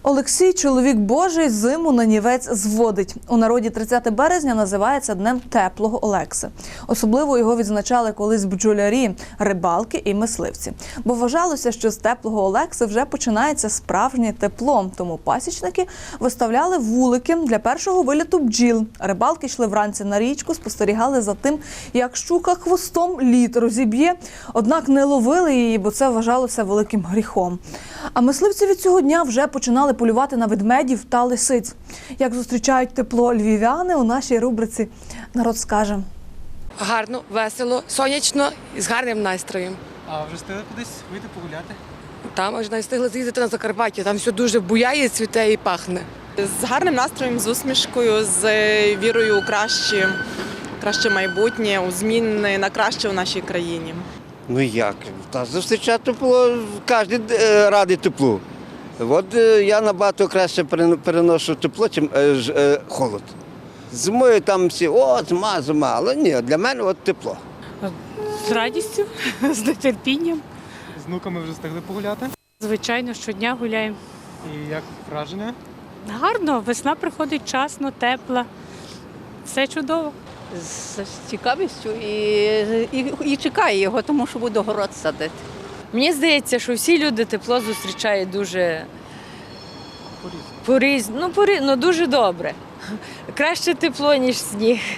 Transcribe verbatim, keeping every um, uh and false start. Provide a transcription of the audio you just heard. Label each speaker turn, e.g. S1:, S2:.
S1: Олексій, чоловік Божий, зиму на нівець зводить. У народі тридцяте березня називається Днем теплого Олекси. Особливо його відзначали колись бджолярі, рибалки і мисливці. Бо вважалося, що з теплого Олекси вже починається справжнє тепло. Тому пасічники виставляли вулики для першого виліту бджіл. Рибалки йшли вранці на річку, спостерігали за тим, як щука хвостом лід розіб'є. Однак не ловили її, бо це вважалося великим гріхом. А мисливці від цього дня вже починали полювати на ведмедів та лисиць. Як зустрічають тепло львів'яни, у нашій рубриці «Народ скаже».
S2: Гарно, весело, сонячно і з гарним настроєм.
S3: А вже встигли кудись вийти погуляти?
S2: Там аж навіть встигли з'їздити на Закарпаття, там все дуже буяє, цвіте і пахне.
S4: З гарним настроєм, з усмішкою, з вірою у краще, краще майбутнє, у зміни на краще в нашій країні.
S5: Ну як? Та зустрічати тепло, кожен е, радий теплу. От е, я набагато краще перено- переношу тепло, ніж е, ж, е, холод. Зимою там всі, о, зима, зима, але ні, для мене от тепло.
S6: З радістю, з нетерпінням.
S3: З внуками вже встигли погуляти?
S6: Звичайно, щодня гуляємо.
S3: І як враження?
S6: Гарно, весна приходить вчасно, тепла. Все чудово.
S7: З цікавістю і, і, і чекає його, тому що буду город садити.
S8: Мені здається, що всі люди тепло зустрічають дуже поріз, ну, поріз, ну дуже добре. Краще тепло, ніж сніг.